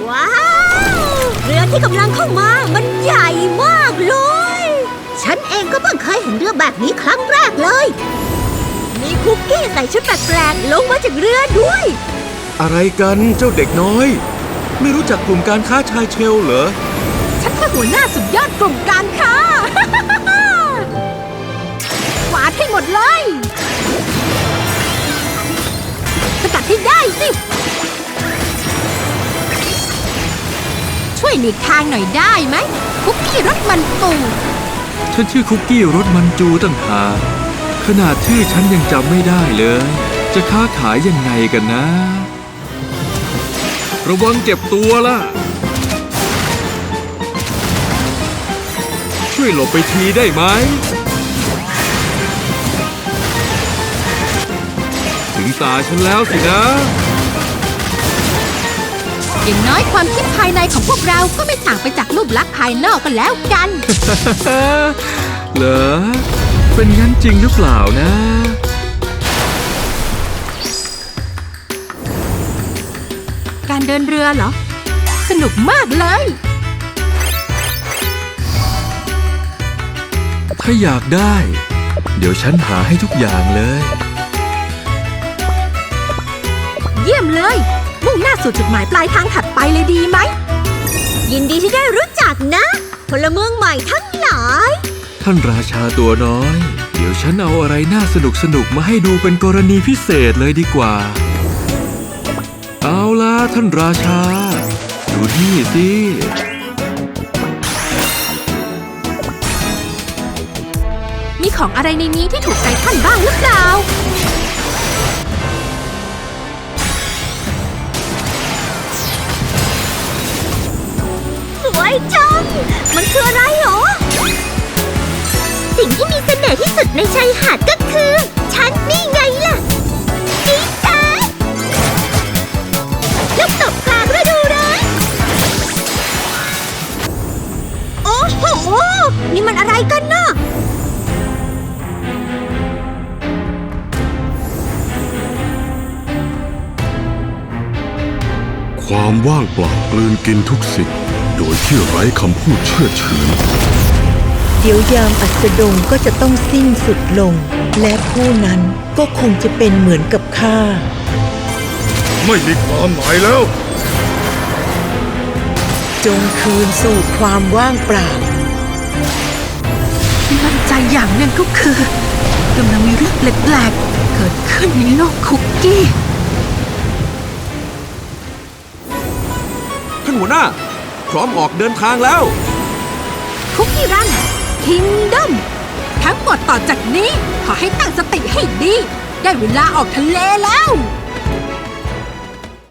ว้าวเรือที่กำลังเข้ามามันใหญ่มากเลยฉันเองก็เพิ่งเคยเห็นเรือแบบนี้ครั้งแรกเลยมีคุกกี้ใส่ชุดแปลกๆลงมาจากเรือด้วยอะไรกันเจ้าเด็กน้อย ไม่รู้จักกลุ่มการค้าชายเชลเหรอฉันคือหัวหน้าสุดยอดกลุ่มการค้า กวาดให้หมดเลยสกัดให้ได้สิช่วยหลีกทางหน่อยได้ไหมคุกกี้รสมันปูฉันชื่อคุกกี้รสมันจูตั้งหากขนาดชื่อฉันยังจำไม่ได้เลย จะค้าขายยังไงกันนะ ระวังเจ็บตัวล่ะ ช่วยหลบไปทีได้ไหม ถึงตาฉันแล้วสินะอย่างน้อยความคิดภายในของพวกเราก็ไม่ต่างไปจากรูปลักษณ์ภายนอกกันแล้วกันเหรอ เป็นงั้นจริงหรือเปล่านะการเดินเรือเหรอ สนุกมากเลยถ้าอยากได้ เดี๋ยวฉันหาให้ทุกอย่างเลยเยี่ยมเลยมุ่งหน้าสู่จุดหมายปลายทางถัดไปเลยดีไหมยินดีที่ได้รู้จักนะพลเมืองใหม่ทั้งหลายท่านราชาตัวน้อย เดี๋ยวฉันเอาอะไรน่าสนุกมาให้ดูเป็นกรณีพิเศษเลยดีกว่า เอาล่ะท่านราชา ดูนี่สิมีของอะไรในนี้ที่ถูกใจท่านบ้างหรือเปล่าสวยจังมันคืออะไรหรอสิ่งที่มีเสน่ห์ที่สุดในชายหาดก็คือฉันนี่ไงล่ะดีจ้าลูกตบกลางฤดูร้อนโอ้โหนี่มันอะไรกันน่ะความว่างเปล่ากลืนกินทุกสิ่งโดยที่ไร้คำพูดเชื่อเฉือนเดี๋ยวยามอัสดงก็จะต้องสิ้นสุดลง และผู้นั้นก็คงจะเป็นเหมือนกับข้าไม่มีความหมายแล้วจงคืนสู่ความว่างเปล่าที่มั่นใจอย่างหนึ่งก็คือกำลังมีเรื่องแปลกๆเกิดขึ้นในโลกคุกกี้ท่านหัวหน้า พร้อมออกเดินทางแล้วคุกกี้รันคิงดอมทั้งหมดต่อจากนี้ขอให้ตั้งสติให้ดี ได้เวลาออกทะเลแล้ว